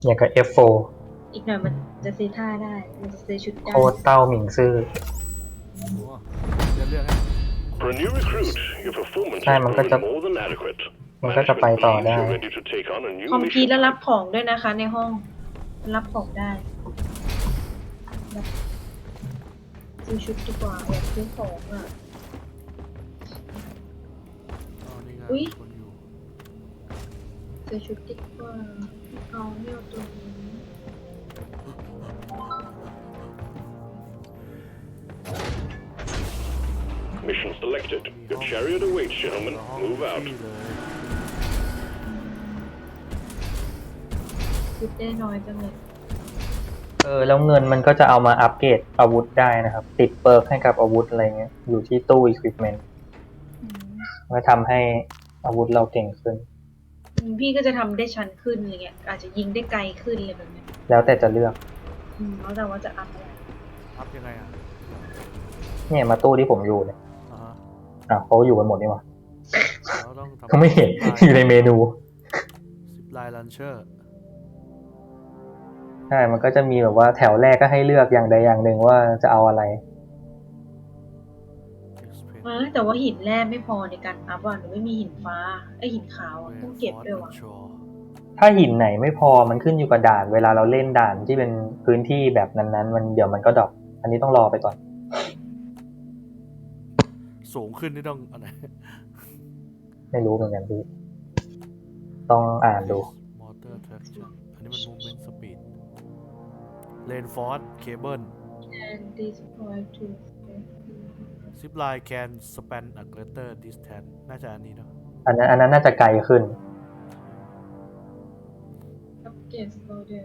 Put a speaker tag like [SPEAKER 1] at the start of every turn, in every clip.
[SPEAKER 1] อย่างกับ F4
[SPEAKER 2] อีกหน่อยมันจะซื้อท่าได้มันจะซื้อชุดได้
[SPEAKER 1] โคตรเต้าหมิงซื่อ
[SPEAKER 3] โอ้จะเลือกให้
[SPEAKER 4] For a new recruit, your performance
[SPEAKER 1] ใช่
[SPEAKER 4] has
[SPEAKER 1] มันก็จะ
[SPEAKER 4] proven more than adequate.
[SPEAKER 1] มันก็จะไป
[SPEAKER 4] Management
[SPEAKER 1] ต่อ
[SPEAKER 4] believes
[SPEAKER 1] ได้
[SPEAKER 4] you're ready to take on a new
[SPEAKER 2] คอมพีท
[SPEAKER 4] mission.
[SPEAKER 2] แล้วรับของด้วยนะคะ ในห้องรับของได้รับซื้อชุดดีกว่าอยากซื้อของอ่ะ
[SPEAKER 3] อ๋อนี่ไง
[SPEAKER 2] อุ๊ย
[SPEAKER 3] คนอยู่
[SPEAKER 2] ซื้อชุดดีกว่าเอาเนี่ยเอาตัวนี้
[SPEAKER 4] Mission selected. Your chariot awaits, gentlemen.
[SPEAKER 3] ห้อง
[SPEAKER 4] Move out.
[SPEAKER 3] ที่เลย
[SPEAKER 2] ชุดได้น้อยจังเลย
[SPEAKER 1] แล้วเงินมันก็จะเอามาอัปเกรดอาวุธได้นะครับ ติดเปิร์กให้กับอาวุธอะไรเงี้ยอยู่ที่ตู้ equipment ก็ทำให้อาวุธเราเก่งขึ้น
[SPEAKER 2] พี่ก็จะทำได้ชั้นขึ้นอะไรเงี้ยอาจจะยิงได้ไกลขึ้นอะไรแบบเนี้ย
[SPEAKER 1] แล้วแต่จะเลือก
[SPEAKER 2] แล้วแต่ว่าจะอัพอะไร
[SPEAKER 3] อัพยังไงอ่ะ
[SPEAKER 1] เนี่ยมาตู้ที่ผมอยู่เนี่ย เขาอยู่กันหมดนี่หว่า
[SPEAKER 3] เราต้องทำ
[SPEAKER 1] เขาไม่เห็น อยู่ในเมนู
[SPEAKER 3] ซิปไลน์ลันเชอร์
[SPEAKER 1] ใช่ มันก็จะมีแบบว่าแถวแรกก็ให้เลือกอย่างใดอย่างหนึ่งว่าจะเอาอะไร
[SPEAKER 2] แต่ว่าหินแร่ไม่พอในการอัพอ่ะหนูไม่มีหินฟ้าหินขาวต้องเก็บด้วยว่ะ
[SPEAKER 1] ถ้าหินไหนไม่พอมันขึ้นอยู่กับด่าน เวลาเราเล่นด่านที่เป็นพื้นที่แบบนั้นๆมันเดี๋ยวมันก็ดรอปอันนี้ต้องรอไปก่อน
[SPEAKER 3] สูงขึ้นนี่ต้องอะไร
[SPEAKER 1] ไม่รู้เหมือนกันพี่ต้องอ่านดู
[SPEAKER 3] มอเตอร์แทร็กชั่นอันนี้มัน movement speed เลนฟอร์สเคเบิล
[SPEAKER 2] and destroy to
[SPEAKER 3] Zip line can span a greater distance น่าจะอันนี้เนาะ
[SPEAKER 1] อันนั้นน่าจะไกลขึ้น
[SPEAKER 2] upgrade border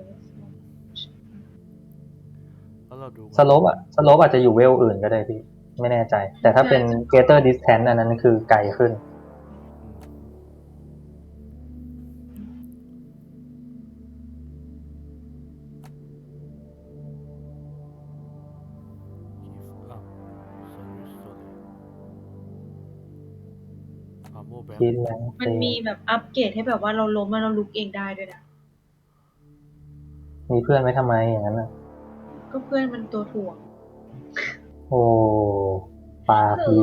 [SPEAKER 3] แล้วเราดู
[SPEAKER 1] สโลปอาจจะอยู่เวลอื่นก็ได้พี่ไม่แน่ใจ แต่ถ้าเป็น greater distance อันนั้นคือไกลขึ้น คิดแล้ว
[SPEAKER 2] มันมีแบบอัปเกรดให้แบบว่าเราล้มแล้วเราลุกเองได้ด้วยนะ
[SPEAKER 1] มีเพื่อนไว้ทำไมอย่างนั้นน่ะ
[SPEAKER 2] ก็เพื่อนมันตัวถ่วง
[SPEAKER 1] โอ้ปากดี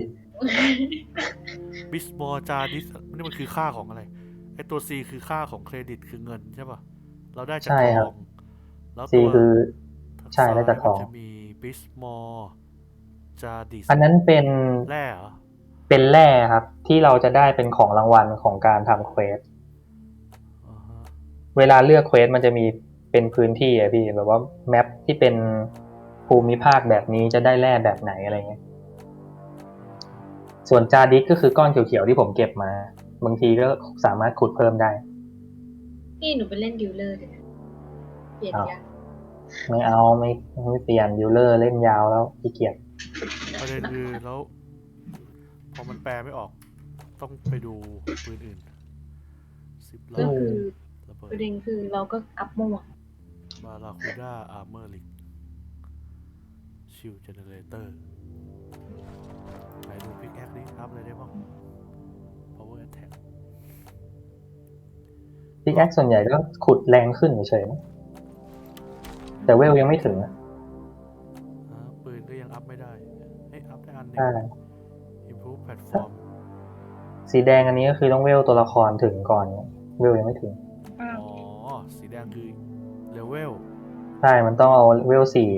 [SPEAKER 3] บิสบอจาดิสนี่มันคือค่าของอะไรไอตัว C คือค่าของเครดิตคือเงินใช่ป่ะเราได้จาก
[SPEAKER 1] ใช่
[SPEAKER 3] ท
[SPEAKER 1] ครั
[SPEAKER 3] อบ งแล้ว
[SPEAKER 1] C คือใช่ได้จากทอง
[SPEAKER 3] มันจะมีบิสมอจาดิส
[SPEAKER 1] อันนั้นเป็น
[SPEAKER 3] แร่เหรอ
[SPEAKER 1] เป็นแร่ครับ ที่เราจะได้เป็นของรางวัลของการทำเควส
[SPEAKER 3] อ่าฮะ
[SPEAKER 1] เวลาเลือกเควสมันจะมีเป็นพื้นที่อะพี่แบบว่าแมปที่เป็นภูมิภาคแบบนี้จะได้แร่แบบไหนอะไรเงี้ยส่วนจาดิสก็คือก้อนเขียวๆที่ผมเก็บมา บางทีก็สามารถขุดเพิ่มได้
[SPEAKER 2] นี่หนูไปเล่นดิวเลอร์เลยนะเปลี่ยนยัง
[SPEAKER 1] ไม่เอาไม่เปลี่ยนดิวเลอร์เล่นยาวแล้วขี้เกียจ
[SPEAKER 3] ประเด็นคือแล้วพอมันแปลไม่ออกต้องไปดูปืนอื่นซิปไล
[SPEAKER 2] ก็
[SPEAKER 3] น์
[SPEAKER 2] คือ
[SPEAKER 3] ระเบิ
[SPEAKER 2] ป
[SPEAKER 3] ด
[SPEAKER 2] ระเด็นคือเราก็อัพมั่ว
[SPEAKER 3] บาราคูด้าอาร์เมอร์ลิกชิลเจเนเรเตอร์ไหนดูพิกแอคนี้อัพเลยได้บ้าง power attack
[SPEAKER 1] พิกแอคส่วนใหญ่ก็ขุดแรงขึ้นเฉยๆนะแต่เวลยังไม่ถึงนะ
[SPEAKER 3] ปืนก็ยังอัพไม่ได้อัพได้อันหนึง
[SPEAKER 1] ใช่
[SPEAKER 3] improve platform
[SPEAKER 1] สีแดงอันนี้ก็คือต้องเวลตัวละครถึงก่อนเวลยังไม่ถึง
[SPEAKER 3] อ๋อ สีแดงคือเลเวล
[SPEAKER 1] ใช่มันต้องเอาเวล4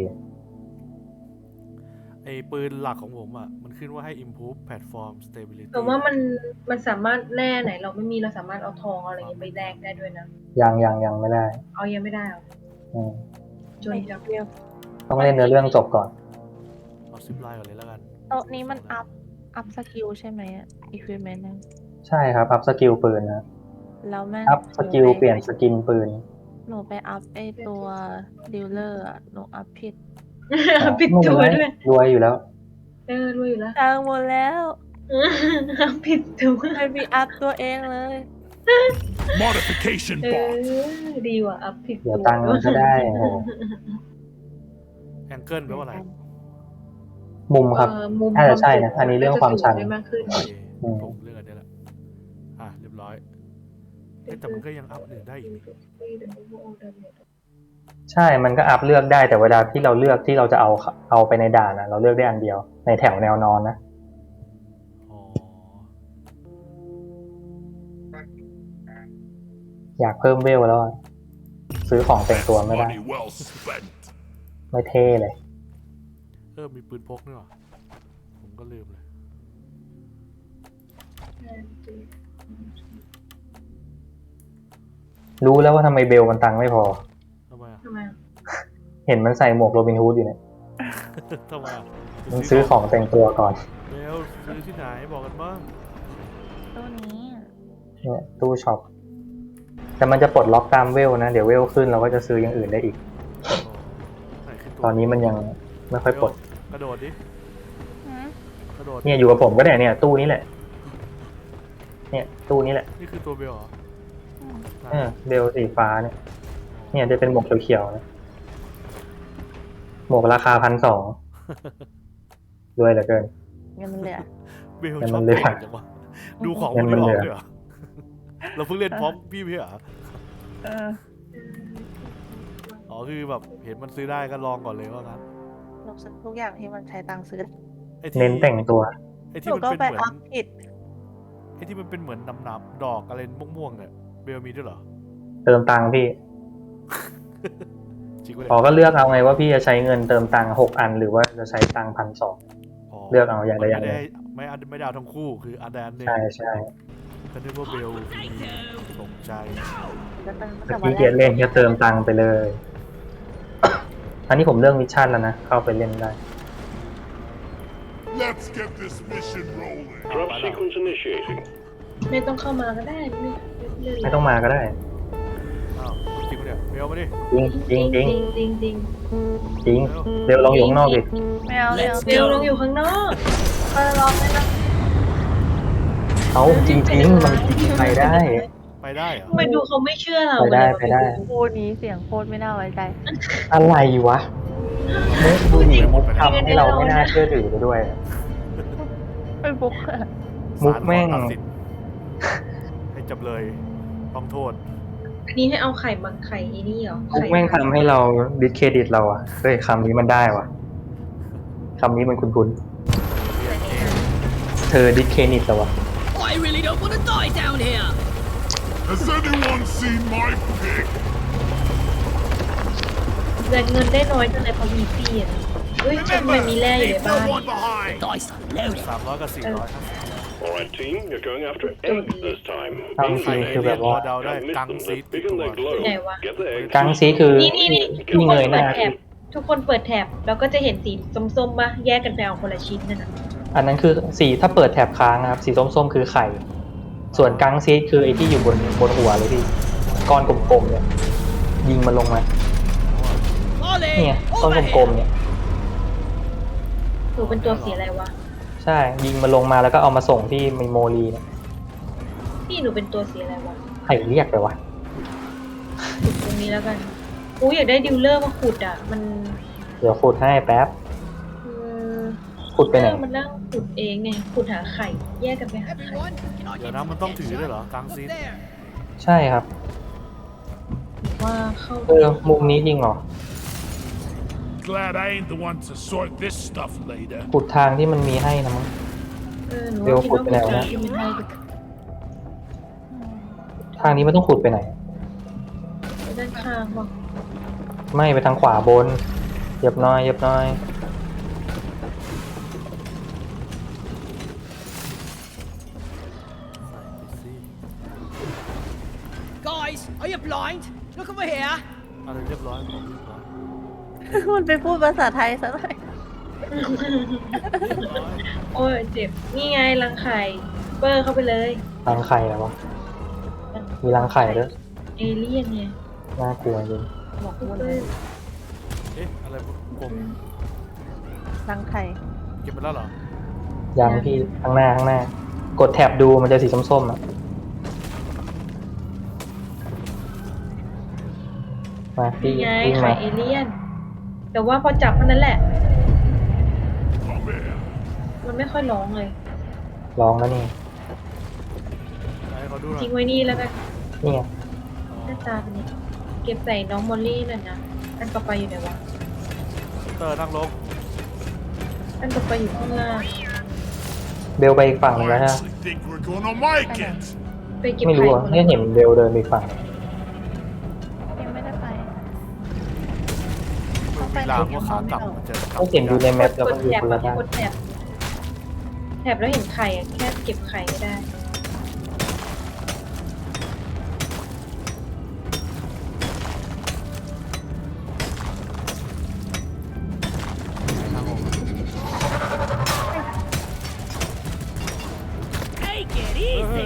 [SPEAKER 3] ไอปืนหลักของผมอ่ะ มันขึ้นว่าให้ improve platform stability
[SPEAKER 2] แต่ว่ามันสามารถแร่ไหนเราไม่มีเราสามารถเอาทองเอาอะไรอย่างเงี้ยไปแลกได้ด้วยนะ
[SPEAKER 1] ยังไม่ได้
[SPEAKER 2] เอายังไม่ได้หรอ
[SPEAKER 1] อืม
[SPEAKER 2] จนจังเดียว
[SPEAKER 1] ต้องเล่นเนื้อเรื่องจบก่อน
[SPEAKER 3] เอาซิปไลน์ก่อนเลยแล้วกัน
[SPEAKER 5] โต๊ะนี้มันอัพสกิลใช่ไหมอะ equipment นะ
[SPEAKER 1] ใช่ครับ อัพสกิลปืนนะ
[SPEAKER 5] แล้วแม่ง
[SPEAKER 1] อัพสกิลเปลี่ยนสกินปืน
[SPEAKER 5] หนูไปอัพไอตัวดีลเลอร์อะหนูอัพผิด
[SPEAKER 2] ปิดตัวด้วย
[SPEAKER 1] รวยอยู่แล้ว
[SPEAKER 2] รวยอยู่แล้ว
[SPEAKER 5] ทางหมดแล้ว
[SPEAKER 2] ปิดตัว
[SPEAKER 5] ไม่มีอัพตัวเองเลย
[SPEAKER 4] Modification
[SPEAKER 2] ดีว่ะอัพผิด
[SPEAKER 1] เดี๋ยวตังค์มันก็ได้โอ้โห
[SPEAKER 3] แองเกิลแปลว่าอะไร
[SPEAKER 1] มุมครับ
[SPEAKER 2] มุม
[SPEAKER 1] น่าจะใช่นะอันนี้เรื่องความชัน
[SPEAKER 2] ได้มากขึ้น
[SPEAKER 3] โอเค
[SPEAKER 1] อืม
[SPEAKER 3] ผมเรื่องอันนี้แหละเรียบร้อย
[SPEAKER 2] ด
[SPEAKER 3] แต่มันก็ยังอัพอื่นได้อีกนี่
[SPEAKER 1] ใช่มันก็อัพเลือกได้แต่เวลาที่เราเลือกที่เราจะเอาไปในด่านนะเราเลือกได้อันเดียวในแถวแนวนอนนะ
[SPEAKER 3] อ๋อ
[SPEAKER 1] อยากเพิ่มเวลแล้วอะซื้อของแต่งตัวไม่ได้
[SPEAKER 4] Money well spent.
[SPEAKER 1] ไม่เท่เลย
[SPEAKER 3] มีปืนพกด้วยเหรอผมก็ลืมเลย
[SPEAKER 1] รู้แล้วว่าทำไมเบลมันตังค์ไม่พอ
[SPEAKER 3] ทำไมอ่ะ
[SPEAKER 2] ทำไมอะ
[SPEAKER 1] เห็นมันใส่หมวกโรบินฮูดอยู่เนี่ย
[SPEAKER 3] ทำไมอ่ะ
[SPEAKER 1] มันซื้อของแต่งตัวก่อน
[SPEAKER 3] เบลซื้อที่ไหนบอกกันบ้าง
[SPEAKER 5] ตัวนี้อะ
[SPEAKER 1] เนี่ยตู้ช็อปแต่มันจะปลดล็อกตามเวลนะเดี๋ยวเวลขึ้นเราก็จะซื้ออย่างอื่นได้อีก
[SPEAKER 3] อ๋อไหนขึ้นตัว
[SPEAKER 1] ตอนนี้มันยังไม่ค่อยปลด
[SPEAKER 3] กระโดดดิ
[SPEAKER 5] หืม
[SPEAKER 3] กระโดด
[SPEAKER 1] เนี่ยอยู่กับผมก็ได้เนี่ยตู้นี้แหละ เนี่ยตู้นี้แหละ
[SPEAKER 3] นี่คือตัวเบลเหรอ
[SPEAKER 1] เบลสีฟ้าเนี่ย เนี่ยจะเป็นหมวกเขียวๆนะหมวกราคา1,200ด้วยเหลือเกิน
[SPEAKER 5] เงินมันเหลือ
[SPEAKER 3] เบล
[SPEAKER 1] แต่
[SPEAKER 3] ช
[SPEAKER 1] มั
[SPEAKER 3] อบ
[SPEAKER 1] นเหลือ
[SPEAKER 3] เก่งจังวะดูของพวก
[SPEAKER 1] มั
[SPEAKER 3] นี้
[SPEAKER 1] น
[SPEAKER 3] อ
[SPEAKER 1] เหลื
[SPEAKER 3] อก
[SPEAKER 1] อ
[SPEAKER 3] ด้วยเหรอเราเพิ่งเล่นพร้อมพี่เหรอ
[SPEAKER 5] เออ
[SPEAKER 3] อ๋อคือแบบเห็นมันซื้อได้ก็ลองก่อนเลยว่างั้น
[SPEAKER 5] ลงซื้อทุกอย่างที่มันใช้ตังค์ซื้อ
[SPEAKER 3] ไอ้ที่
[SPEAKER 1] เน้นแต่งตัว
[SPEAKER 3] ไอ้
[SPEAKER 5] ห
[SPEAKER 3] ที่
[SPEAKER 5] นู
[SPEAKER 3] มัน
[SPEAKER 5] ก็
[SPEAKER 3] เป็น
[SPEAKER 5] ไป
[SPEAKER 3] เหมือน
[SPEAKER 5] อัพผิด
[SPEAKER 3] ไอ้ที่มันเป็นเหมือนน้ำๆดอกอะไรม่วงๆเนี่ยเบลมีด้วยเหรอ
[SPEAKER 1] เติมตังค์พี่
[SPEAKER 3] จริงปะ
[SPEAKER 1] พอ
[SPEAKER 3] เนี่ย
[SPEAKER 1] ก็เลือกเอาไงว่าพี่จะใช้เงินเติมตังค์6 อันหรือว่าจะใช้ตังค์1,200 เลือกเอาอย่างใดอย่างหนึ่ง
[SPEAKER 3] ไม่ได้เอาทั้งคู่คืออันใดอันหนึ่ง
[SPEAKER 1] ใช่ใช่
[SPEAKER 3] ก็นึกว่าเบลมีสนใจ
[SPEAKER 5] จะเป็น
[SPEAKER 1] แต่
[SPEAKER 5] แต่วัน
[SPEAKER 1] พี่
[SPEAKER 5] แร
[SPEAKER 1] เกีย
[SPEAKER 5] ก
[SPEAKER 1] รเล่นก็เติมตังค์ไปเลย อันนี้ผมเลือกมิชชั่นแล้วนะ เข้าไปเล่นได้
[SPEAKER 4] Let's get this mission rolling. Drop sequence initiating.
[SPEAKER 2] ไม่ต้องเข้ามาก็ได้ไม่เล่น
[SPEAKER 1] ไม่ต้องมาก็ได้
[SPEAKER 3] อ้าวจริงปะเนี่ยเบลมาดิ
[SPEAKER 1] จริงจริง
[SPEAKER 2] จริงจริง
[SPEAKER 1] จริงเร็วลองอยู่ข้างนอกดิ
[SPEAKER 5] ไม่เอาไม่เอา
[SPEAKER 2] เบลลงอยู่ข้างนอก
[SPEAKER 5] ลองไม่ได้
[SPEAKER 1] เอาจริงมันไปได้
[SPEAKER 3] ไปได้เหรอ
[SPEAKER 2] ทำไมดูเขาไม่เชื่อเรา
[SPEAKER 1] ไปได้
[SPEAKER 2] เลย
[SPEAKER 1] ไปได้
[SPEAKER 5] พูดนี้เสียงโคตรไม่น่าไว้ใจ
[SPEAKER 1] อะไรวะเนี่ยดูดิมุกทำให้เราไม่น่าเชื่อถือไปด้วย
[SPEAKER 5] เป็นบุ๊กอะ
[SPEAKER 1] มุกแม่ง
[SPEAKER 3] ศาลขอตัดสินให้จำเลยต้องโทษ
[SPEAKER 2] อันนี้ให้เอาไข่มาไข่ไอ้นี่เหรอ
[SPEAKER 1] มุกแม่งทำให้เราดิสเครดิตเราอะเฮ้ยคำนี้มันได้วะคำนี้มันคุ้นๆเธอดิสเครดิตเราวะ
[SPEAKER 6] I really don't want to die down here.
[SPEAKER 4] Has anyone seen my pick?
[SPEAKER 2] แต่เงินได้น้อยจังเลยเพราะมีฟรีอ่ะเฮ้ยทำไมมีแร่อยู่ใน
[SPEAKER 4] Leave
[SPEAKER 2] บ้าน
[SPEAKER 4] no one behind.
[SPEAKER 6] Dice are loaded.
[SPEAKER 3] 300 กับ 400ครับ
[SPEAKER 4] All right, team, you're going after eggs this time.
[SPEAKER 1] กังซีคือแบบว่า
[SPEAKER 3] เดาได้
[SPEAKER 4] Can't miss
[SPEAKER 3] กัง
[SPEAKER 4] them.
[SPEAKER 3] ซีด
[SPEAKER 4] They're big and they glow.
[SPEAKER 2] Này quá.
[SPEAKER 4] Get the eggs.
[SPEAKER 1] กังซีคือ
[SPEAKER 2] นี่ทุก
[SPEAKER 1] ที่
[SPEAKER 2] ค
[SPEAKER 1] เง
[SPEAKER 2] น
[SPEAKER 1] ยห
[SPEAKER 2] เปิ
[SPEAKER 1] น้า
[SPEAKER 2] ดแถบทุกคนเปิดแถบแล้วก็จะเห็นสีส้มๆป่ะแยกกันไปเอาคนละชิ้นนั่นน่ะ
[SPEAKER 1] อันนั้นคือสีถ้าเปิดแถบค้างนะครับสีส้มๆคือไข่ ส่วนกังซีดคือไอ้ที่อยู่บนหัวเลยพี่ก้อนกลมๆเนี่ยยิงมันลงมา
[SPEAKER 6] Ollie,
[SPEAKER 1] เนี่ยก้อน
[SPEAKER 6] over
[SPEAKER 1] กลม
[SPEAKER 6] here.
[SPEAKER 1] ๆเนี่ย
[SPEAKER 2] หนูเป็นตัวสีอะไรวะ
[SPEAKER 1] ใช่ยิงมันลงมาแล้วก็เอามาส่งที่มิโมรีเนี่ย
[SPEAKER 2] พี่หนูเป็นตัวสีอะไรวะ
[SPEAKER 1] ใครเรียกไปวะ
[SPEAKER 2] ขุดตรงนี้แล้วกันอู้อยากได้ดิวเลอร์มาขุดอ่ะมัน
[SPEAKER 1] เดี๋ยวขุดให้แป๊บ
[SPEAKER 2] เออ
[SPEAKER 1] ขุดไปไหน
[SPEAKER 2] มันนั่งขุดเองไงขุดหาไข่แยกกันไปหาไข่
[SPEAKER 6] Everyone, can I
[SPEAKER 3] เดี๋ยว
[SPEAKER 6] get
[SPEAKER 3] นะ
[SPEAKER 6] some
[SPEAKER 3] มันต้องถือด้วยเหรอ
[SPEAKER 6] attention?
[SPEAKER 3] กังซีด
[SPEAKER 6] Up there.
[SPEAKER 1] ใช่ครับ
[SPEAKER 2] ว่าเข้า
[SPEAKER 1] มุมนี้จริงเหรอ
[SPEAKER 4] Glad I ain't the one to sort this stuff later.
[SPEAKER 1] ขุดทางที่มันมีให้นะมั้ง
[SPEAKER 2] หนู
[SPEAKER 1] เดี๋ยว
[SPEAKER 2] คิด
[SPEAKER 1] ขุด
[SPEAKER 2] ว่า
[SPEAKER 1] ไปแล้วนะ
[SPEAKER 2] ที่มันให้ดู
[SPEAKER 1] ทางนี้มันต้องขุดไปไหน
[SPEAKER 2] ไปด้านข้างป่ะ
[SPEAKER 1] ไม่ไปทางขวาบนเหยียบน้อยเหยียบน้อย
[SPEAKER 6] Guys, are you blind? Look over here.
[SPEAKER 3] อะไรเรียบร้อยผมเรียบร้อย
[SPEAKER 5] มันไปพูดภาษาไทยซะหน่อย
[SPEAKER 2] โอ้ยเจ็บนี่ไงรังไข่เปอร์เข้าไปเลย
[SPEAKER 1] รังไข่แล้ววะ มีรังไข่ด้วย
[SPEAKER 2] เอเลี่ยนไง
[SPEAKER 1] น่ากลัวจริง
[SPEAKER 5] บอก
[SPEAKER 2] เป
[SPEAKER 5] วน
[SPEAKER 2] อร์
[SPEAKER 3] เอ๊ะ อะไรกลม
[SPEAKER 5] รังไข่
[SPEAKER 3] เก็บไปแล้วเหรอ
[SPEAKER 1] ยังพี่ข้างหน้า กดแท็บดูมันจะสีส้มๆอ่ะ มาพี่
[SPEAKER 2] นี่ไง
[SPEAKER 1] วิ่ง
[SPEAKER 2] ไข่
[SPEAKER 1] มา
[SPEAKER 2] เอเลี่ยน แต่ว่าพอจับเท่านั้นแหละ
[SPEAKER 4] Come here.
[SPEAKER 2] มันไม่ค่อยร้องเลย
[SPEAKER 1] ลองแล้วนี่
[SPEAKER 3] ไหนเขาดูหน่อย
[SPEAKER 2] ทิ้งไว้นี่แล้วกัน
[SPEAKER 1] นี่ไง
[SPEAKER 2] หน้าตาเป็นยังไงเก็บใส่น้องมอลลี่หน่อยนะอันต่อไปอยู่ไหนวะ
[SPEAKER 3] เตอร์นั่งลง
[SPEAKER 2] อันต่อไปอยู่ข้างล่าง
[SPEAKER 1] เบลไปอีกฝั่งหนึง
[SPEAKER 4] I
[SPEAKER 1] แล้วฮะ
[SPEAKER 4] actually think we're gonna make it.
[SPEAKER 2] ไปเก็บ
[SPEAKER 1] ไม่
[SPEAKER 2] ไข่
[SPEAKER 1] รู้อ่ะ
[SPEAKER 2] คน
[SPEAKER 1] เนี่ยเห็นเบลเดินไปอีกฝั่ง
[SPEAKER 5] ยังไม่ได้ไป
[SPEAKER 3] มันมีรางว่าขากลับมันจะกลับ
[SPEAKER 1] ไม่เห็นดูในแมปแล้ว
[SPEAKER 2] ก
[SPEAKER 1] มั
[SPEAKER 2] ด
[SPEAKER 1] นอยู่
[SPEAKER 2] แถบ
[SPEAKER 1] คน
[SPEAKER 2] แบ
[SPEAKER 1] ละ
[SPEAKER 2] บ
[SPEAKER 1] ด้าน
[SPEAKER 2] กดแถบแถบแล้วเห็นไข่อะแค่เก็บไข่ไม่ได้
[SPEAKER 3] ทางออก
[SPEAKER 6] Take it
[SPEAKER 3] เฮ้ย
[SPEAKER 6] easy.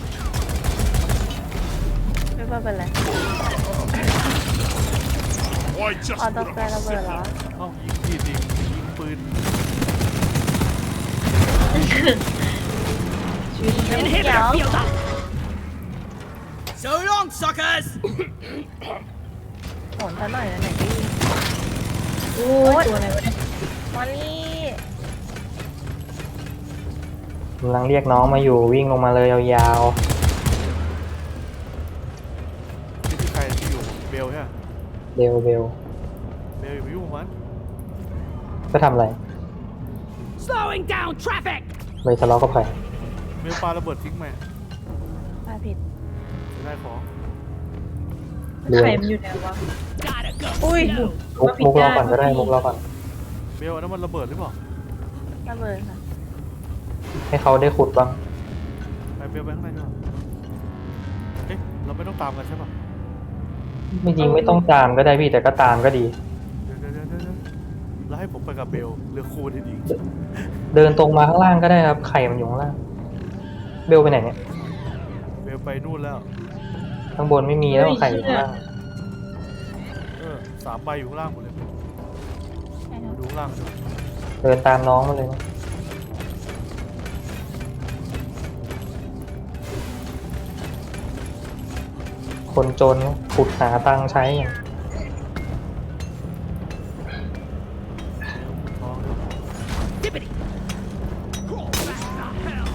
[SPEAKER 5] ไม่ว่าเป็นไร
[SPEAKER 4] Why just
[SPEAKER 5] ออโต้
[SPEAKER 4] put
[SPEAKER 5] แฟ
[SPEAKER 4] up
[SPEAKER 5] ร์ระ
[SPEAKER 4] a
[SPEAKER 5] เบิดเหรอ
[SPEAKER 3] เอ้ายิงผิดอีกยิงปืน
[SPEAKER 2] ชีวิตมัน
[SPEAKER 6] Inhibitor field up. So long, suckers.
[SPEAKER 5] โหนซะหน่อยนะไหนพี่
[SPEAKER 2] โอ้ยตัวอะไรวะเนี่ย
[SPEAKER 5] มอลลี่
[SPEAKER 1] กำลังเรียกน้องมาอยู่วิ่งลงมาเลยยาว
[SPEAKER 3] ที่ใครที่อยู่เบลใช่ไหม
[SPEAKER 1] ๆเบล
[SPEAKER 3] เบลอย่าไปยุ่งกับมัน
[SPEAKER 1] ก็ทำอะไร
[SPEAKER 6] Slowing down traffic.
[SPEAKER 1] ไปทะเลาะกับใคร
[SPEAKER 3] เบลปาระเบิดทิ้งไหม
[SPEAKER 5] มาผิด
[SPEAKER 3] จะได้ของ
[SPEAKER 2] ไข่มันอยู่ไหนวะ
[SPEAKER 6] Gotta go.
[SPEAKER 5] Ui.
[SPEAKER 6] slow.
[SPEAKER 1] มุกรอก่อนก็ได้มุกรอก่อน
[SPEAKER 3] เบลอันนั้นมันระเบิดหรือเปล่า
[SPEAKER 5] ระเบิดค่ะ
[SPEAKER 1] ให้เขาได้ขุดบ้าง
[SPEAKER 3] ไปเบลไปข้างในดีกว่าเอ๊ะเราไม่ต้องตามกันใช่ป่ะ
[SPEAKER 1] ไม่จริงไม่ต้องตามก็ได้พี่แต่ก็ตามก็ดี
[SPEAKER 3] เดี๋ยวแล้วให้ผมไปกับเบลเรือคูณดี
[SPEAKER 1] เดินตรงมาข้างล่างก็ได้ครับไข่มันอยู่ข้างล่าง เบลไปไหนเนี่ย
[SPEAKER 3] เบลไปนู่นแล้ว
[SPEAKER 1] ข้างบนไม่มีแล้วไข่อยู่ข้างล่าง
[SPEAKER 3] 3 ใบอยู่ข้างล่างหมดเลย
[SPEAKER 5] ใช่ครั
[SPEAKER 3] มา
[SPEAKER 5] บ
[SPEAKER 3] ดูข้างล่างดู
[SPEAKER 1] เดินตามน้องมาเลยนะคนจนขุดหาตังค์ใช้อย่าง
[SPEAKER 3] ท้องด้วย
[SPEAKER 6] Dippity. Crawl back the hell.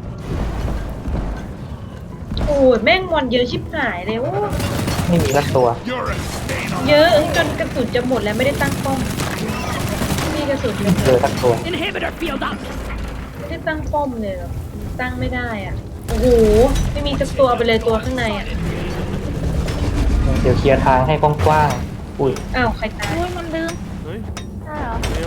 [SPEAKER 2] โอ้ยแม่งมอนเยอะชิบหายเลยโอ้
[SPEAKER 1] ไม่มีสักตัว
[SPEAKER 4] You're a stain on
[SPEAKER 2] เยอะจนกระสุนจะหมดแล้วไม่ได้ตั้งป้อมมีกระสุนเลย
[SPEAKER 1] เจอสักตัว
[SPEAKER 6] Inhibitor field up.
[SPEAKER 2] ไม่ได้ตั้งป้อมเลยเหรอตั้งไม่ได้อ่ะโอ้โหไม่มีสักตัวไปเลยตัวข้างในอ่ะ
[SPEAKER 1] เดี๋ยวเคลียร์ทางให้กว้างๆอุ้ย
[SPEAKER 2] อ้าวใครตาย
[SPEAKER 5] อุ้ยมันลืม
[SPEAKER 3] เฮ้ย
[SPEAKER 5] ใช่เหรอ
[SPEAKER 3] เบล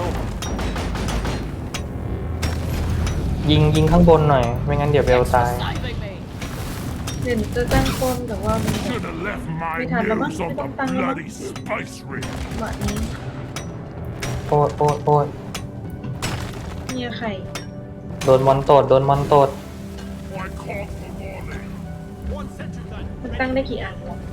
[SPEAKER 1] ยิงข้างบนหน่อย ไม่งั้นเดี๋ยวเบลตาย
[SPEAKER 6] Saving me.
[SPEAKER 2] เดี๋ยวจะตั้งป้อมแต่ว่ามัน
[SPEAKER 4] Should have left my
[SPEAKER 2] Wait, hold on,
[SPEAKER 4] news on
[SPEAKER 2] wait,
[SPEAKER 4] the
[SPEAKER 2] hold on.
[SPEAKER 4] bloody spice ring.
[SPEAKER 2] หมานี้
[SPEAKER 1] โอ๊ยโอ๊ยโอ๊ย
[SPEAKER 2] เนี่ยไข่
[SPEAKER 1] โดนมอนโตดโดนมอนโตด
[SPEAKER 4] Why call for warning?
[SPEAKER 6] One sentry gun.
[SPEAKER 2] มันตั้งได้กี่อันวะ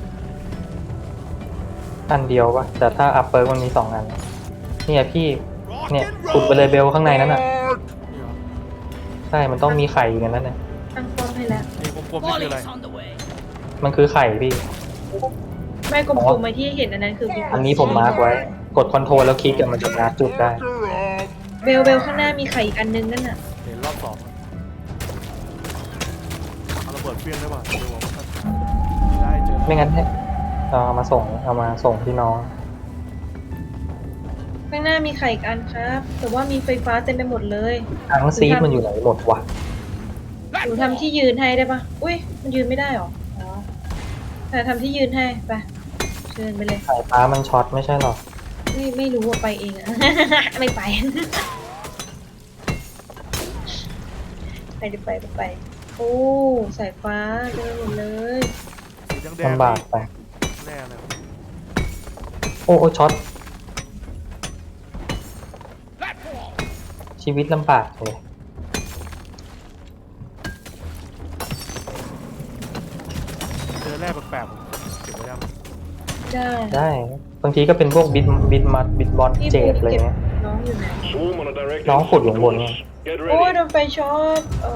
[SPEAKER 1] อันเดียวปะแต่ถ้าอัพเปิร์มันมี2 อัน เนี่ยพี่
[SPEAKER 4] Rock
[SPEAKER 1] เนี่ย
[SPEAKER 4] and
[SPEAKER 1] ขุดไปเลยเบลข้างในนั้นอ่ะ
[SPEAKER 4] roll!
[SPEAKER 3] นี่เหรอ
[SPEAKER 1] ใช่ มันต้องมีไข่อยู่ในนั้นนะ
[SPEAKER 2] ตั้งป้อมให้แล้ว
[SPEAKER 3] ไอ้กลมๆนี่คืออะไร
[SPEAKER 6] Volley's on the way.
[SPEAKER 1] มันคือไข่พี่
[SPEAKER 2] ไม่กลมๆไว้ที่เห็นอันนั้นคือ
[SPEAKER 1] อันนี้ผมมาร์กไว้ กดคอนโทรลแล้วคลิกกับมันจะมาร์กจุดได้
[SPEAKER 4] Fucker off!
[SPEAKER 2] เบลข้างหน้ามีไข่อีกอันนึงนั่นน่ะ
[SPEAKER 3] เห็นรอบ2อะเอาระเบิดเฟี้ยงได้ป่ะเบลบอกว่าไม่ได้เจอ
[SPEAKER 1] ไม่งั้นเนี่ยเอามาส่งที่น้อง
[SPEAKER 2] ข้างหน้ามีไข่อีกอันครับ แต่ว่ามีไฟฟ้าเต็มไปหมดเลย
[SPEAKER 1] ทั้งซีดมันอยู่ไหนหมดวะ
[SPEAKER 2] หนูทำที่ยืนให้ได้ปะอุ้ยมันยืนไม่ได้หรออ๋อแต่ทำที่ยืนให้ไปเชิญไปเลย
[SPEAKER 1] สายฟ้ามันช็อตไม่ใช่หรอ
[SPEAKER 2] ไม่รู้ว่าไปเองอะ ไม่ไป ไป โอ้สายฟ้าเดินหมดเลย
[SPEAKER 3] สีแดงๆ
[SPEAKER 1] ลำบากไป
[SPEAKER 3] แน่เลย
[SPEAKER 1] โอ้ช็อต
[SPEAKER 6] That wall.
[SPEAKER 1] ชีวิตลำบากเลย
[SPEAKER 3] เจอแร่แปลกๆผมเก็บไว้ยัง
[SPEAKER 2] ได้
[SPEAKER 1] ได้บางทีก็เป็นพวกบิดมัดบิดบอล
[SPEAKER 2] ที่
[SPEAKER 1] เจ
[SPEAKER 2] พู
[SPEAKER 1] ด
[SPEAKER 2] ด
[SPEAKER 1] อะไร
[SPEAKER 2] เก็บ
[SPEAKER 1] เงี้ย
[SPEAKER 2] น้องอยู่ไหน
[SPEAKER 7] Swarm on a direct
[SPEAKER 1] น้อง
[SPEAKER 7] line
[SPEAKER 1] ขุดอยู่
[SPEAKER 7] from
[SPEAKER 1] ข้าง
[SPEAKER 7] the
[SPEAKER 1] บนไง
[SPEAKER 7] coast. Get
[SPEAKER 2] โอ้ย
[SPEAKER 7] ready.
[SPEAKER 2] โดนไฟช็อต
[SPEAKER 6] If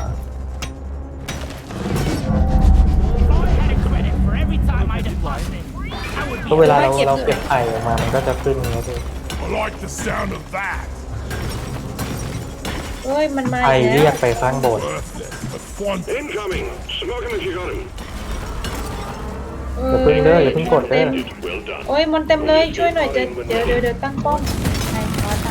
[SPEAKER 6] I had a credit for every time I deposit, I would
[SPEAKER 1] ก็
[SPEAKER 6] be
[SPEAKER 1] เวลาเราเก็บไข่ออกมามันก็จะขึ้นอย่างเงี้ยพี่
[SPEAKER 4] I like the sound of that.
[SPEAKER 2] เอ้ยมันมา
[SPEAKER 1] ไข่
[SPEAKER 2] อีก
[SPEAKER 1] เรี
[SPEAKER 2] แล้
[SPEAKER 1] ยว กไปข้างโบสถ์
[SPEAKER 4] Worthless, but fun.
[SPEAKER 7] Incoming. Smoke him if you got him.
[SPEAKER 1] อย่าเพิ่งเด้ออย่าเพิ่งกดเด้อ
[SPEAKER 2] โอ้ยมันเต็มเลยช่วยหน่อยจะเดี๋ยวตั้งป้อม
[SPEAKER 5] ใช่เพราะว่า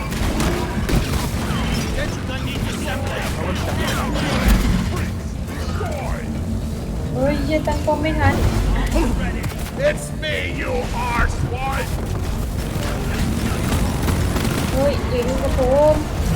[SPEAKER 2] เฮ้ยเหี้ยตั้งป้อมไม่ทัน
[SPEAKER 4] It's me, you arsewipe!
[SPEAKER 2] เฮ้ยอย่ายุ่งกับผม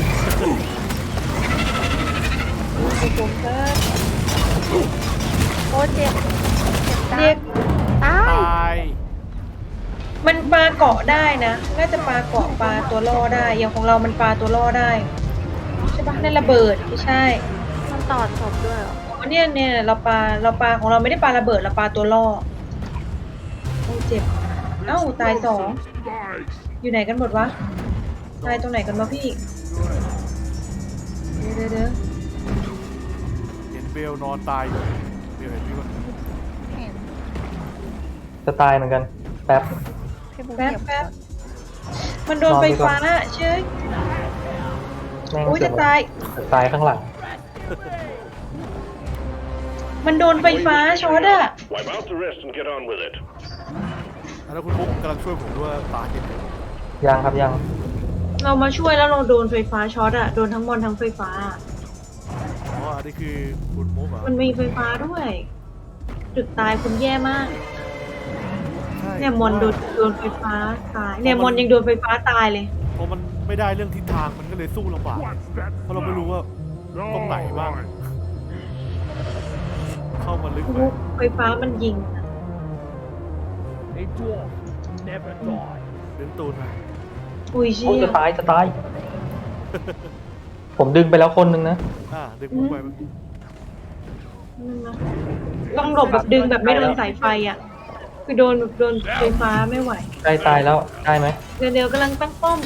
[SPEAKER 2] ยุ่งกับผมครับ
[SPEAKER 5] โอ้เจ็บ
[SPEAKER 2] เรียก
[SPEAKER 5] ตา
[SPEAKER 3] ต
[SPEAKER 5] ย
[SPEAKER 3] าย
[SPEAKER 2] มันปลาเกาะได้นะน่าจะปลาเกาะปลาตัวล่อได้อย่างของเรามันปลาตัวล่อได้ใช่ปะนั่นระเบิดไม่ใช่
[SPEAKER 5] มันตอดศพด้วยเหรอ
[SPEAKER 2] อ๋อเนี่ยเราปลาของเราไม่ได้ปลาระเบิดเราปลาตัวล่อโอ้เจ็บเอ้าตายสองอยู่ไหนกันหมดวะตายตรงไหนกันวะพี่เดี๋ยว
[SPEAKER 3] เห็นเบลนอนตายอยู่เบลเห็นพี่ปะ
[SPEAKER 5] เห็น
[SPEAKER 1] จะตายเหมือนกันแป๊บ
[SPEAKER 5] พี่บุ๊ค
[SPEAKER 2] แป๊บ
[SPEAKER 5] เก็บ
[SPEAKER 2] แป๊บมันโดนไฟฟ้าเชื่อ
[SPEAKER 1] แม่ง
[SPEAKER 2] อุ้ย
[SPEAKER 1] เสื
[SPEAKER 2] จะ
[SPEAKER 1] อก
[SPEAKER 2] ตาย
[SPEAKER 1] ตายข้างหลัง
[SPEAKER 2] มันโดนไฟฟ้าช็อตอะ
[SPEAKER 7] Wipe out the rest and get on with it.
[SPEAKER 3] แล้วคุณมุกกำลังช่วยผมด้วยตายเห็น
[SPEAKER 1] ยังครับยัง
[SPEAKER 2] เรามาช่วยแล้วเราโดนไฟฟ้าช็อตอะโดนทั้งมอนทั้งไฟฟ้า
[SPEAKER 3] อ๋ออันนี้คือคุณมุกเหรอ
[SPEAKER 2] มันมีไฟฟ้าด้วย จุดตายคุณแย่มาก
[SPEAKER 3] ใช่
[SPEAKER 2] เนี่ยมอนโดนไฟฟ้าตายเนี่ยมอนยังโดนไฟฟ้าตายเลย
[SPEAKER 3] เพราะมันไม่ได้เรื่องทิศทางมันก็เลยสู้ลำบาก
[SPEAKER 4] What's that?
[SPEAKER 3] เพราะเราไม่รู้ว่า ตรงไหนบ้าง เข้ามาลึกไป
[SPEAKER 2] ไฟฟ้ามันยิงอะ
[SPEAKER 6] A dwarf never die.
[SPEAKER 3] เดินตูนมา
[SPEAKER 2] อุ้ยเชี่
[SPEAKER 1] โอ้ย
[SPEAKER 2] ย
[SPEAKER 1] จะตายจะตาย ผมดึงไปแล้วคนนึงนะ
[SPEAKER 3] ดึงมุกไป
[SPEAKER 2] นั่นนะต้องหลบแบบดึงแบบไม่โดนสายไฟอะคือโดนไฟฟ้าไม่ไหว
[SPEAKER 1] ใกล้ตายแล้วได้ไหม
[SPEAKER 2] เดี๋ยวกำลังตั้งป้อม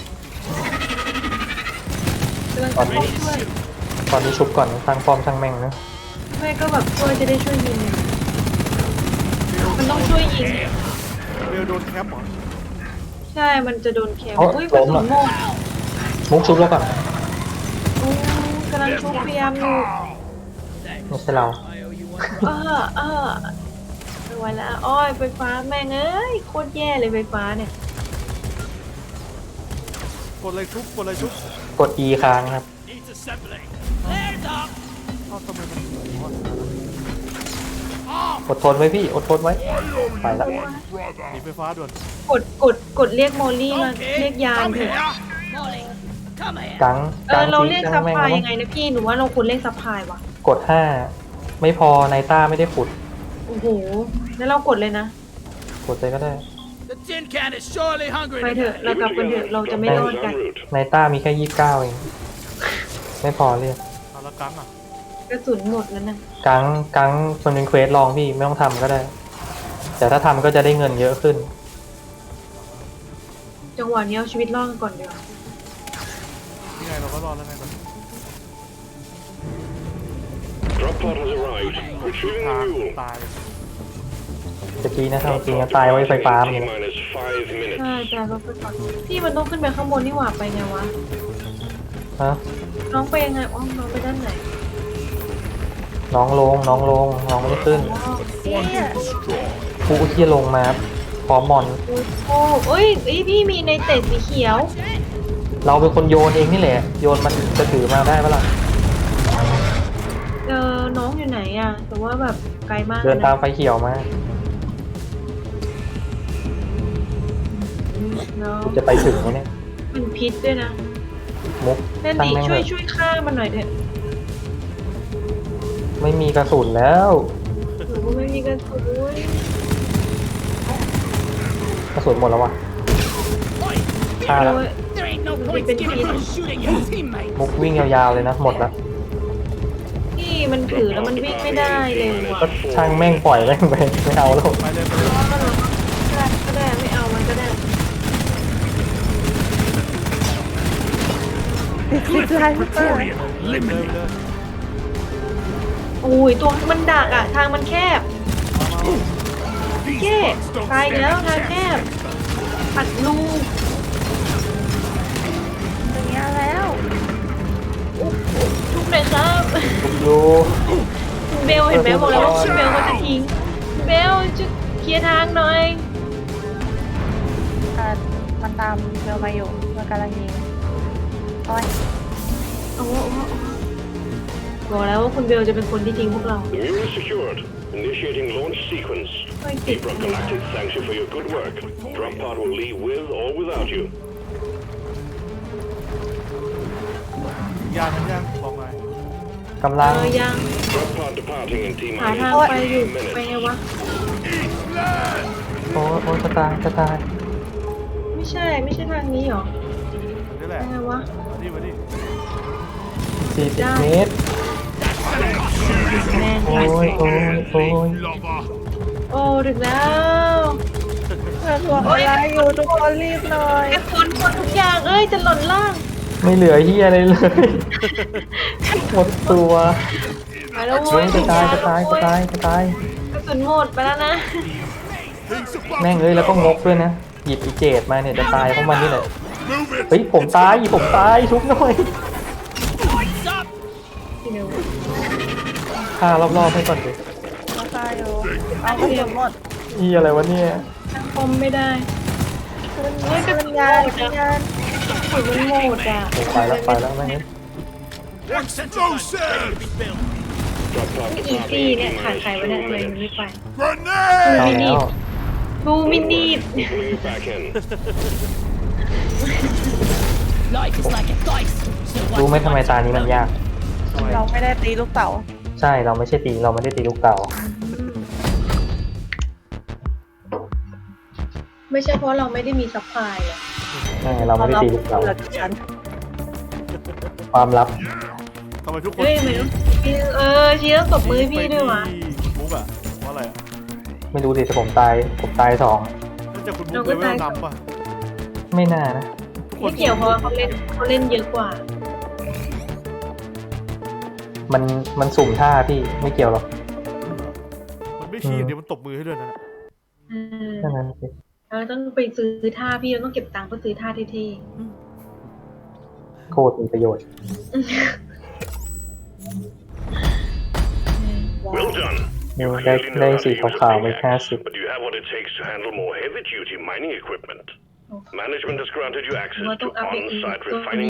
[SPEAKER 2] กำลังตั้งป้อมช่วย
[SPEAKER 1] ตอนนี้ชุบก่อนตั้งป้อมช่างแม่งนะ
[SPEAKER 2] แม่ก็แบบช่วยจะได้ช่วยยิงไงมันต้องช่วยยิง
[SPEAKER 3] เบลโดนแคปเหรอ
[SPEAKER 2] ใช่ มันจะโดนแคม
[SPEAKER 1] เอ้า
[SPEAKER 2] อุ้ยกระสุนหมด
[SPEAKER 1] มุกชุบแล้วก่อน
[SPEAKER 2] อู้กำลังชุบพยายามอยู่
[SPEAKER 1] ไม่ใช่เรา
[SPEAKER 2] ไม่ไหวแล้วอ้อยไฟฟ้าแม่งเอ้ยโคตรแย่เลยไฟฟ้าเนี่ย
[SPEAKER 3] กดอะไรชุบกดอะไรชุบ
[SPEAKER 1] กด E ค้างครับ
[SPEAKER 6] Needs assembling. There's up.
[SPEAKER 3] เอ้าทำไมมัน
[SPEAKER 1] อดทนไว้พี่อดทนไว้ไปละ
[SPEAKER 3] หนีไฟฟ้าด่วน
[SPEAKER 2] กดเรียกโมลี่มาเรียกยานเถอะ
[SPEAKER 6] Molly, come here.
[SPEAKER 1] กังกัง
[SPEAKER 2] เรา
[SPEAKER 1] ทิ้
[SPEAKER 2] เรียก
[SPEAKER 1] ง
[SPEAKER 2] ซั
[SPEAKER 1] ช่า
[SPEAKER 2] พ
[SPEAKER 1] งแม่ง
[SPEAKER 2] พลาย
[SPEAKER 1] แล้ว
[SPEAKER 2] ยังไงนะพี่หนูว่าเราควรเรียกซัพพลายวะ
[SPEAKER 1] กด5ไม่พอไนต้าไม่ได้ขุด
[SPEAKER 2] โอ้โหแล้วเรากดเลยนะ
[SPEAKER 1] กดใจก็ได้
[SPEAKER 6] The tin can is surely hungry.
[SPEAKER 2] ไปเถอะเรากลับกันเถอะเราจะไม่รอดกัน
[SPEAKER 7] En route.
[SPEAKER 1] ไนต้ามีแค่29เองไม่พอเรียก
[SPEAKER 3] เอาละกังอ่ะ
[SPEAKER 2] กระสุนหมดแล้วนะ
[SPEAKER 1] กังมันเป็นเควสลองพี่ไม่ต้องทำก็ได้ แต่ถ้าทำก็จะได้เงินเยอะขึ้น
[SPEAKER 2] จังหวะนี้เอาชีวิตรอดกันก่อนเดี๋ยวา
[SPEAKER 3] นี่ไงเราก็รอดแล้วไงตอนนี้
[SPEAKER 7] Drop pod has arrived. Retrieving
[SPEAKER 3] ทาง
[SPEAKER 7] the mule.
[SPEAKER 3] ตาย
[SPEAKER 1] ตะกี้นะทำจริงนะตายไว้ไฟฟ้ามัน
[SPEAKER 7] T
[SPEAKER 1] เลย
[SPEAKER 7] minus 5 minutes.
[SPEAKER 2] ใช่แต่เราไปก่อนพี่มันต้องขึ้นไปข้างบนนี่หว่าไปไงวะ
[SPEAKER 1] ฮะ
[SPEAKER 2] น้องไปยังไงอ๋อน้องไปด้านไหน
[SPEAKER 1] น้องลงน้องไม่ขึ้น
[SPEAKER 2] อ๋อ
[SPEAKER 5] เนี่ย
[SPEAKER 1] ผู้ที่ลงมาพร้อมมอน
[SPEAKER 2] โอ้เอ้ยพี่มีในเตะสีเขียว
[SPEAKER 1] เราเป็นคนโยนเองนี่แหละ โยนมันจะถือมาได้ปะล่ะ
[SPEAKER 2] น้องอยู่ไหนอ่ะ แต่ว่าแบบไกลมาก
[SPEAKER 1] เดินตาม
[SPEAKER 2] นะ
[SPEAKER 1] ไฟเขียวมา
[SPEAKER 2] น้อง
[SPEAKER 1] จะไปถึงไหมเนี่ย
[SPEAKER 2] มันพิษด้วยนะ
[SPEAKER 1] มุก
[SPEAKER 2] นั่น
[SPEAKER 1] ตั้ง
[SPEAKER 2] ดิ
[SPEAKER 1] แม่ง
[SPEAKER 2] ช่
[SPEAKER 1] เล
[SPEAKER 2] วย
[SPEAKER 1] ย
[SPEAKER 2] ช่วยฆ่ามันหน่อยเถอะ
[SPEAKER 1] ไม่มีกระสุนแล้ว
[SPEAKER 2] หนูก็ไม่มีกระสุน
[SPEAKER 1] กระสุนหมดแล้ววะฆ่าแล้ว
[SPEAKER 2] โอ้ย
[SPEAKER 6] There ain't no
[SPEAKER 2] We've
[SPEAKER 6] point
[SPEAKER 2] been
[SPEAKER 6] giving
[SPEAKER 2] feeding.
[SPEAKER 6] for shooting your teammate.
[SPEAKER 1] มุกวิ่งยาวๆเลยนะ หมดแล้ว
[SPEAKER 2] พี่มันถือแล้วมันวิ่งไม่ได้เลยว่ะ
[SPEAKER 1] ก็ช่างแม่งปล่อยแม่งไปไม่เอาแล้ว
[SPEAKER 3] ไปเลยไปเลย
[SPEAKER 2] ก็ได้ไม่เอามันก็ได้
[SPEAKER 4] Victorian
[SPEAKER 3] เลย
[SPEAKER 4] eliminated.
[SPEAKER 3] เลย
[SPEAKER 2] โอ้ยตัวมันดักอ่ะ ทางมันแคบ
[SPEAKER 4] These
[SPEAKER 2] เจ๊
[SPEAKER 4] bugs don't
[SPEAKER 2] ตาย
[SPEAKER 4] stand
[SPEAKER 2] แล้ว
[SPEAKER 4] a
[SPEAKER 2] ทางแคบ
[SPEAKER 4] chance.
[SPEAKER 2] อัดลูก
[SPEAKER 5] อย่างเงี้ยแล้ว
[SPEAKER 2] ทุกเลยครับ
[SPEAKER 1] อยู่
[SPEAKER 2] เบลเห็นไหมบอกแล้วว่าคุณเบลเขาจะทิ้งเบลจะเคลียร์ทางหน่อย
[SPEAKER 5] มันตามเบลมาอยู่มันกำลังยิงโอ้ย
[SPEAKER 2] โอ้โหบอกแล้วว่าคุณเบลจะเป็นคนที่ทิ้งพวกเรา
[SPEAKER 7] The mule is secured. Initiating launch sequence.
[SPEAKER 2] ไม่ติด
[SPEAKER 7] Deep Rock Galactic thanks you for your good work. Drop pod will leave with or without you.
[SPEAKER 3] ยานมันยังบอกไง
[SPEAKER 1] กำลัง
[SPEAKER 2] ยัง
[SPEAKER 7] Drop pod departing in T
[SPEAKER 2] หา
[SPEAKER 7] minus
[SPEAKER 2] ทางไปอยู่
[SPEAKER 7] 15
[SPEAKER 2] ไปไง
[SPEAKER 7] minutes.
[SPEAKER 2] วะ
[SPEAKER 1] โอ้ยจะตายจะตาย
[SPEAKER 2] ไม่ใช่ทางนี้หรอ
[SPEAKER 3] นี่แห
[SPEAKER 2] ไป
[SPEAKER 3] ละ
[SPEAKER 2] ไงวะ
[SPEAKER 3] มาดิ
[SPEAKER 1] 40 เมตร
[SPEAKER 2] แน่น
[SPEAKER 1] โอ้ยโอ้ยโอ้ย
[SPEAKER 4] Lover.
[SPEAKER 2] โอ้ถึงแล้ว
[SPEAKER 5] ถ่วงเวลาอยู่ทุกคนรีบหน่อย
[SPEAKER 2] ไอ้คนทุกอย่างเอ้ยจะหล่นล่าง
[SPEAKER 1] ไม่เหลือเฮียอะไรเลย หมดตัว
[SPEAKER 2] ไปแล้ว
[SPEAKER 1] โอ้
[SPEAKER 2] เว้ย
[SPEAKER 1] ยจะตายจะตายจะตายจะตาย
[SPEAKER 2] กระสุนหมดไปแล้วนะ
[SPEAKER 1] แม่งเอ้ยแล้วก็งกด้วยนะ หยิบอีเจดมาเนี่ยจะตายเพราะมันนี่แหละ
[SPEAKER 4] Move it.
[SPEAKER 1] เฮ้ยผมตายชุบหน่อย
[SPEAKER 2] พี่เบล
[SPEAKER 1] ฆ่ารอบๆให้ก่อนดิ
[SPEAKER 5] มาตายอยู่เอากระสุนหมด
[SPEAKER 1] อีอะไรวะเนี่ย
[SPEAKER 2] ตั้งคอมไม่ได้
[SPEAKER 5] ขึ้นยาน
[SPEAKER 2] กระสุนมันหมดอ่ะ
[SPEAKER 1] โอ้ไปแล้วแม่งเอ้ย
[SPEAKER 4] Explosive.
[SPEAKER 7] Drop pod
[SPEAKER 2] อี
[SPEAKER 7] departing
[SPEAKER 2] ซี่
[SPEAKER 7] in
[SPEAKER 2] เนี่ย
[SPEAKER 7] T
[SPEAKER 2] ขาดใคร
[SPEAKER 7] minus
[SPEAKER 2] ไม่ได้
[SPEAKER 7] 2
[SPEAKER 2] เลยไม่
[SPEAKER 7] minutes.
[SPEAKER 2] ไป
[SPEAKER 4] Grenade.
[SPEAKER 1] เอาแล้ว
[SPEAKER 2] ดูมินิด
[SPEAKER 7] Pulling you back in.
[SPEAKER 6] Life is like a dice. So
[SPEAKER 1] รู้ไหมทำไมตานี้มันยาก
[SPEAKER 5] เราไม่ได้ตีลูกเต๋า
[SPEAKER 1] ใช่เราไม่ใช่ตีเราไม่ได้ตีลูกเต่า
[SPEAKER 2] ไม่ใช่เพราะเราไม่ได้มีซัพพลายอ่ะ
[SPEAKER 1] เราไม่ได้ตีลูกเต่า
[SPEAKER 5] เหลือฉัน
[SPEAKER 1] ความลับ
[SPEAKER 3] ทำไมทุกคน
[SPEAKER 2] เฮ้ยไม่รู้ชี้ต้องตบมือให้พี่ด้วยวะ
[SPEAKER 3] มุกอะว่าอะไรอะ
[SPEAKER 1] ไม่รู้ดิแต่ผมตาย2
[SPEAKER 3] น่าจะคุณมุกเลเวลนำป่ะ
[SPEAKER 1] ไม่น่านะ
[SPEAKER 2] ไม่เกี่ยวเพราะว่าเขาเล่นเยอะกว่า
[SPEAKER 1] มันสุ่มท่าพี่ไม่เกี่ยวหรอก
[SPEAKER 3] มันไม่ชี้อย่างเดียวมันตบมือให้ด้วยนะ
[SPEAKER 1] แค่นั้นสิ
[SPEAKER 2] เราต้องไปซื้อท่าพี่เราต้องเก็บตังค์เพื่อซื้อท่าเท่
[SPEAKER 1] โคตรมีประโยชน์
[SPEAKER 7] Well done.
[SPEAKER 1] นิว
[SPEAKER 7] You
[SPEAKER 1] ได้
[SPEAKER 7] clearly know how to
[SPEAKER 1] สี
[SPEAKER 7] use
[SPEAKER 1] ขาว
[SPEAKER 7] a
[SPEAKER 1] ๆไป
[SPEAKER 7] pickaxe,
[SPEAKER 1] 50
[SPEAKER 7] but do you have what it takes to handle more heavy-duty mining equipment? Management has granted you access to on-site refining